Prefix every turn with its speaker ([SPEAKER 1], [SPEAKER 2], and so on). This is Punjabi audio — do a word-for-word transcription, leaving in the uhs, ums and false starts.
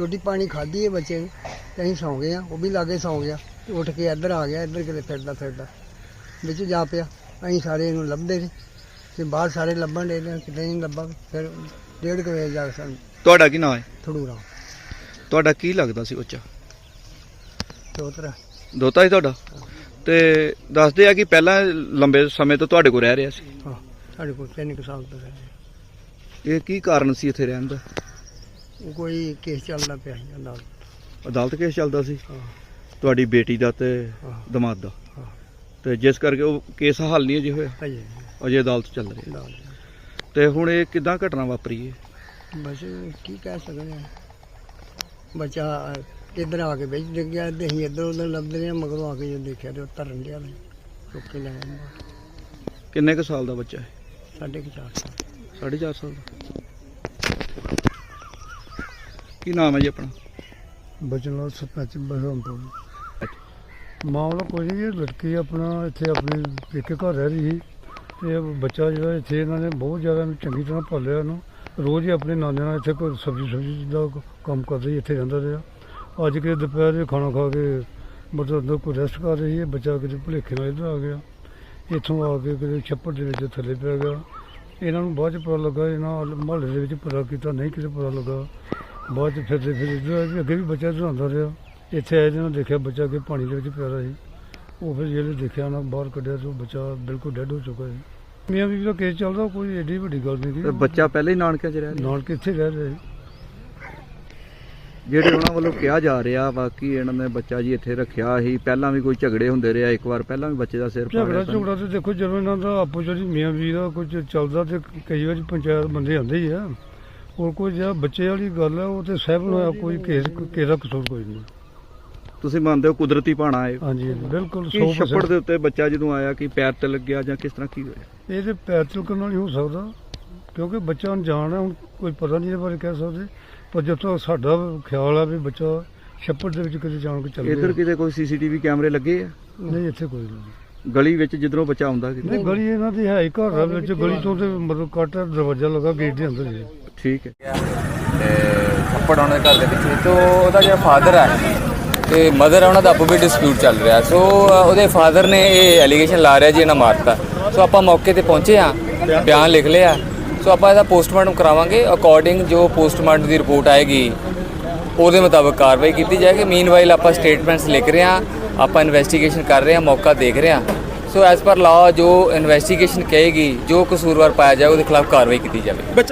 [SPEAKER 1] रोटी पानी खाधी है बच्चे ने ते असीं सौ गए, वो भी लागे सौ गया, उठ के इधर आ गया, इधर किते फिरदा फिरदा बिच जा पिया। असीं सारे इहनूं लभदे ने ते बाहर सारे लभण डे ने, किते नहीं लभा। फिर डेढ़ कु बजे जा के सानूं
[SPEAKER 2] ਤੁਹਾਡਾ ਕੀ ਨਾਮ ਹੈ?
[SPEAKER 1] थड़ूरा
[SPEAKER 2] ਤੁਹਾਡਾ ਕੀ ਲੱਗਦਾ ਸੀ ਬੱਚਾ?
[SPEAKER 1] चौतरा
[SPEAKER 2] ਦੋਤਾ ਸੀ ਤੁਹਾਡਾ? ਤੇ ਦੱਸਦੇ ਆ ਕਿ ਪਹਿਲਾਂ ਲੰਬੇ ਸਮੇਂ ਤੋਂ ਤੁਹਾਡੇ ਕੋਲ ਰਹਿ ਰਿਹਾ ਸੀ।
[SPEAKER 1] हाँ साढ़े को तीन कुछ साल तो रहे।
[SPEAKER 2] ਇਹ ਕੀ ਕਾਰਨ ਸੀ ਇੱਥੇ ਰਹਿਣ ਦਾ?
[SPEAKER 1] वो कोई केस चलता पिया ਸੀ अदालत।
[SPEAKER 2] ਅਦਾਲਤ ਕੇਸ ਚੱਲਦਾ ਸੀ
[SPEAKER 1] हाँ
[SPEAKER 2] ਤੁਹਾਡੀ ਬੇਟੀ ਦਾ ਤੇ
[SPEAKER 1] हाँ
[SPEAKER 2] ਦਮਾਦ ਦਾ,
[SPEAKER 1] हाँ
[SPEAKER 2] ਤੇ ਜਿਸ ਕਰਕੇ ਉਹ ਕੇਸ ਹੱਲ ਨਹੀਂ ਅਜੇ ਹੋਇਆ,
[SPEAKER 1] अजे
[SPEAKER 2] ਅਜੇ ਅਦਾਲਤ ਚੱਲ ਰਹੀ ਹੈ।
[SPEAKER 1] अदालत
[SPEAKER 2] ਤੇ ਹੁਣ ਇਹ ਕਿੱਦਾਂ ਘਟਨਾ ਵਾਪਰੀ ਹੈ?
[SPEAKER 1] बस की कह सकते हैं। बच्चा इधर आके बिच डिग गया, ते असीं इधर उधर लभदे रहे, मगरों आके जो देखा तो तरन दिया चुक के ले आए।
[SPEAKER 2] ਕਿੰਨੇ ਕੁ ਸਾਲ ਦਾ ਬੱਚਾ ਹੈ?
[SPEAKER 1] साढ़े के चार साल।
[SPEAKER 2] ਸਾਢੇ ਚਾਰ ਸਾਲ ਦਾ। ਕੀ ਨਾਮ ਹੈ ਜੀ ਆਪਣਾ?
[SPEAKER 3] बचन सरपंच बसंतपुर। मामला कोई नहीं, ये लड़की अपना इतने अपने पेके घर रह रही थी। ये बच्चा जो इतने इन्होंने बहुत ज़्यादा चंगी तरह पालिया इन्हूं। रोज़ ही अपने नाने नाल इतने कोई सब्जी सब्जी का काम कर रही, इतने रहिंदा रहा। अज के दोपहर खाना खा के मतलब अंदर कोई रेस्ट कर रही है, बच्चा किसी भुलेखे नाल इधर आ गया, इत्थों आके किसी छप्पड़ दे विच थल्ले पै गया। इन्हों बाद च पता लगा, इन्हों महल्ले दे विच पता किया, नहीं किसी पता लगा। बाद च फिरदे फिर इधर आए, अगे भी बच्चा इधर आंदा रहा। इत्थे आए जिन्होंने देखा बच्चा कि पानी के विच प्यारा सी, वो फिर जिहले देखा ना बाहर कढ़िया तो बच्चा बिल्कुल डेड हो चुका है। मियाँ बीवी का केस चलदा, कोई एडी वड्डी गल नहीं
[SPEAKER 2] ਤੇ
[SPEAKER 3] थी।
[SPEAKER 2] ਬੱਚਾ ਪਹਿਲਾਂ ਹੀ ਨਾਨਕਿਆਂ 'ਚ ਰਹਿ ਰਿਹਾ?
[SPEAKER 3] नानके इत्थे रह रहे।
[SPEAKER 2] ਜਿਹੜੇ ਉਹਨਾਂ ਵੱਲੋਂ ਕਿਹਾ ਜਾ ਰਿਹਾ ਵਾ ਕਿ ਇਹਨਾਂ ਨੇ ਬੱਚਾ ਜੀ ਇੱਥੇ ਰੱਖਿਆ ਸੀ, ਪਹਿਲਾਂ ਵੀ ਕੋਈ ਝਗੜੇ ਹੁੰਦੇ ਰਿਹਾ, ਇੱਕ ਵਾਰ ਪਹਿਲਾਂ ਵੀ ਬੱਚੇ ਦਾ ਸਿਰ
[SPEAKER 3] ਝਗੜਾ
[SPEAKER 2] ਪਾੜਿਆ।
[SPEAKER 3] ਝਗੜਾ ਤੇ ਦੇਖੋ ਜਦੋਂ ਇਹਨਾਂ ਦਾ ਆਪੋ ਜਿਹੜੀ ਮੀਆਂ ਬੀਵੀ ਦਾ ਕੁਝ ਚੱਲਦਾ ਤੇ ਕਈ ਵਾਰੀ ਪੰਚਾਇਤ ਬੰਦੇ ਆਉਂਦੇ ਹੀ ਆ। ਹੋਰ ਕੋਈ ਜਿਹੜਾ ਬੱਚੇ ਵਾਲੀ ਗੱਲ ਹੈ ਉਹ ਤੇ ਸਹਿਬ ਨੂੰ ਹੋਇਆ, ਕੋਈ ਕੇਸ ਕਿਸੇ ਦਾ ਕਸੂਰ ਕੋਈ ਨਹੀਂ।
[SPEAKER 2] ਤੁਸੀਂ ਮੰਨਦੇ ਹੋ ਕੁਦਰਤੀ ਭਾਣਾ ਹੈ?
[SPEAKER 3] ਹਾਂਜੀ ਹਾਂਜੀ, ਬਿਲਕੁਲ
[SPEAKER 2] ਕੀ
[SPEAKER 3] ਸੌ
[SPEAKER 2] ਛੱਪੜ
[SPEAKER 3] ਪਰਸੈਂਟ।
[SPEAKER 2] ਦੇ ਉੱਤੇ ਬੱਚਾ ਜਦੋਂ ਆਇਆ ਕਿ ਪੈਰ ਤੇ ਲੱਗਿਆ ਜਾਂ ਕਿਸ ਤਰ੍ਹਾਂ ਕੀ ਹੋਇਆ?
[SPEAKER 3] ਇਹ ਤੇ ਪੈਰ ਤਿਲਕਣ ਨਾਲ ਹੀ ਹੋ ਸਕਦਾ, ਕਿਉਂਕਿ ਬੱਚਾ ਅਣਜਾਣ ਹੈ, ਹੁਣ ਕੋਈ ਪਤਾ ਨਹੀਂ ਇਹਦੇ ਬਾਰੇ ਕਹਿ ਸਕਦੇ। ਪਰ ਜਦੋਂ ਸਾਡਾ ਖਿਆਲ ਆ ਵੀ ਬੱਚਾ ਛੱਪੜ ਦੇ ਵਿੱਚ ਕਿਤੇ ਜਾਣ ਕੇ ਚੱਲ ਗਿਆ।
[SPEAKER 2] ਇੱਧਰ ਕਿਤੇ ਕੋਈ ਸੀਸੀਟੀਵੀ ਕੈਮਰੇ ਲੱਗੇ ਆ?
[SPEAKER 3] ਨਹੀਂ ਇੱਥੇ ਕੋਈ ਨਹੀਂ।
[SPEAKER 2] ਗਲੀ ਵਿੱਚ ਜਿੱਧਰੋਂ ਬੱਚਾ ਆਉਂਦਾ ਕਿਤੇ?
[SPEAKER 3] ਨਹੀਂ ਗਲੀ ਇਹਨਾਂ ਦੀ ਹੈ ਹੀ ਘਰ ਦੇ ਵਿੱਚ, ਗਲੀ ਤੋਂ ਤੇ ਮਤਲਬ ਕੱਟ ਦਰਵਾਜ਼ਾ ਲੱਗਾ ਗੇਟ ਦੇ ਅੰਦਰ ਹੀ।
[SPEAKER 2] ਠੀਕ ਹੈ।
[SPEAKER 4] ਤੇ ਥੱਪੜ ਉਹਨਾਂ ਦੇ ਘਰ ਦੇ ਪਿੱਛੇ ਤੋਂ ਉਹਦਾ ਜਿਹੜਾ ਫਾਦਰ ਹੈ ਤੇ ਮਦਰ ਹੈ, ਉਹਨਾਂ ਦਾ ਆਪੋ ਵੀ ਡਿਸਪਿਊਟ ਚੱਲ ਰਿਹਾ। ਸੋ ਉਹਦੇ ਫਾਦਰ ਨੇ ਇਹ ਐਲੀਗੇਸ਼ਨ ਲਾ ਰਿਹਾ ਜੀ ਇਹਨਾਂ ਮਾਰਤਾ। ਸੋ ਆਪਾਂ ਮੌਕੇ ਤੇ ਪਹੁੰਚੇ ਹਾਂ, ਬਿਆਨ ਲਿਖ ਲਿਆ। ਸੋ ਆਪਾਂ ਇਹਦਾ ਪੋਸਟਮਾਰਟਮ ਕਰਾਵਾਂਗੇ, ਅਕੋਰਡਿੰਗ ਜੋ ਪੋਸਟਮਾਰਟਮ ਦੀ ਰਿਪੋਰਟ ਆਏਗੀ ਉਹਦੇ ਮੁਤਾਬਕ ਕਾਰਵਾਈ ਕੀਤੀ ਜਾਏਗੀ। ਮੀਨਵਾਈਲ ਆਪਾਂ ਸਟੇਟਮੈਂਟਸ ਲਿਖ ਰਹੇ ਹਾਂ, ਆਪਾਂ ਇਨਵੈਸਟੀਗੇਸ਼ਨ ਕਰ ਰਹੇ ਹਾਂ, ਮੌਕਾ ਦੇਖ ਰਹੇ ਹਾਂ। ਸੋ ਐਜ਼ ਪਰ ਲਾਅ ਜੋ ਇਨਵੈਸਟੀਗੇਸ਼ਨ ਕਹੇਗੀ, ਜੋ ਕਸੂਰਵਾਰ ਪਾਇਆ ਜਾਏ ਉਹਦੇ ਖਿਲਾਫ ਕਾਰਵਾਈ ਕੀਤੀ ਜਾਵੇ।